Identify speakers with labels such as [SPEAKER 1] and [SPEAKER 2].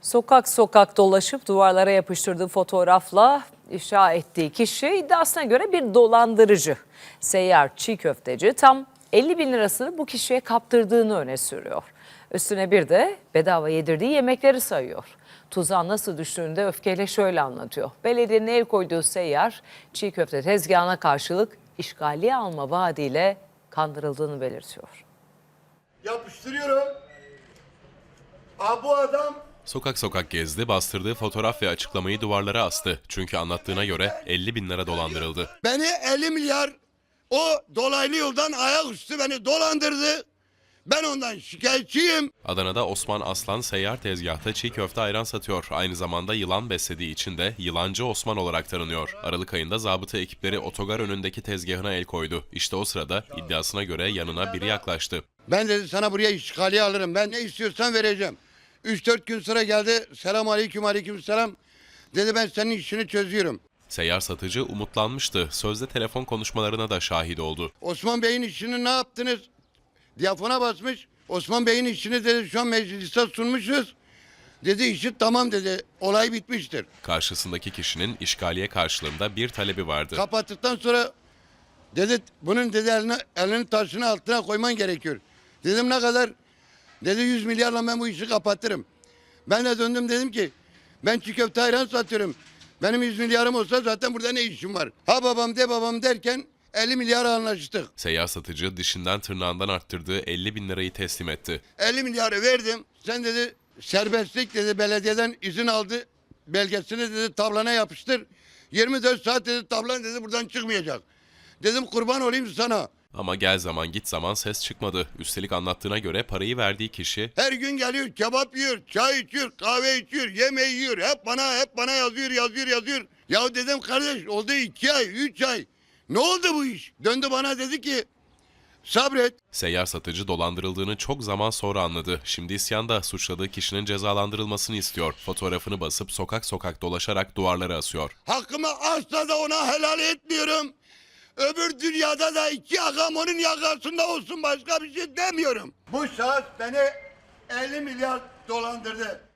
[SPEAKER 1] Sokak sokak dolaşıp duvarlara yapıştırdığı fotoğrafla ifşa ettiği kişi iddiasına göre bir dolandırıcı. Seyyar çiğ köfteci tam 50 bin lirasını bu kişiye kaptırdığını öne sürüyor. Üstüne bir de bedava yedirdiği yemekleri sayıyor. Tuzağa nasıl düştüğünü de öfkeyle şöyle anlatıyor. Belediyenin el koyduğu seyyar çiğ köfte tezgahına karşılık işgaliye alma vaadiyle kandırıldığını belirtiyor.
[SPEAKER 2] Yapıştırıyorum. Bu adam
[SPEAKER 3] Sokak sokak gezdi, bastırdığı fotoğraf ve açıklamayı duvarlara astı. Çünkü anlattığına göre 50 bin lira dolandırıldı.
[SPEAKER 2] beni 50 milyar o dolaylı yoldan ayaküstü beni dolandırdı. Ben ondan şikayetçiyim.
[SPEAKER 3] Adana'da Osman Aslan seyyar tezgahta çiğ köfte ayran satıyor. Aynı zamanda yılan beslediği için de Yılancı Osman olarak tanınıyor. Aralık ayında zabıta ekipleri otogar önündeki tezgahına el koydu. İşte o sırada iddiasına göre yanına biri yaklaştı.
[SPEAKER 2] Ben dedi sana buraya işgaliye alırım. Ben ne istiyorsan vereceğim. 3-4 gün sonra geldi. Selam aleyküm aleyküm selam. Dedi ben senin işini çözüyorum.
[SPEAKER 3] Seyyar satıcı umutlanmıştı. Sözde telefon konuşmalarına da şahit oldu.
[SPEAKER 2] Osman Bey'in işini ne yaptınız? Diyafona basmış. Osman Bey'in işini dedi şu an meclise sunmuşuz. Dedi işi tamam dedi. Olay bitmiştir.
[SPEAKER 3] Karşısındaki kişinin işgaliye karşılığında bir talebi vardı.
[SPEAKER 2] Kapattıktan sonra dedi bunun dedi elini taşını altına koyman gerekiyor. Dedim ne kadar? Dedi 100 milyarla ben bu işi kapatırım. Ben de döndüm dedim ki ben çiğ köfte ayran satıyorum. Benim 100 milyarım olsa zaten burada ne işim var? Ha babam de babam derken 50 milyara anlaştık.
[SPEAKER 3] Seyyar satıcı dişinden tırnağından arttırdığı 50 bin lirayı teslim etti.
[SPEAKER 2] 50 milyarı verdim. Sen dedi serbestlik dedi belediyeden izin aldı. Belgesini dedi tablana yapıştır. 24 saat dedi tablan dedi buradan çıkmayacak. Dedim kurban olayım sana.
[SPEAKER 3] Ama gel zaman git zaman ses çıkmadı. Üstelik anlattığına göre parayı verdiği kişi
[SPEAKER 2] Her gün geliyor kebap yiyor, çay içiyor, kahve içiyor, yemeği yiyor. Hep bana yazıyor. Ya dedim kardeş oldu 2 ay, 3 ay. Ne oldu bu iş? Döndü bana dedi ki sabret.
[SPEAKER 3] seyyar satıcı dolandırıldığını çok zaman sonra anladı. Şimdi isyanda suçladığı kişinin cezalandırılmasını istiyor. Fotoğrafını basıp sokak sokak dolaşarak duvarlara asıyor.
[SPEAKER 2] Hakkımı asla da ona helal etmiyorum. Öbür dünyada da 2 yakam onun yakasında olsun başka bir şey demiyorum. Bu şahıs beni 50 milyar dolandırdı.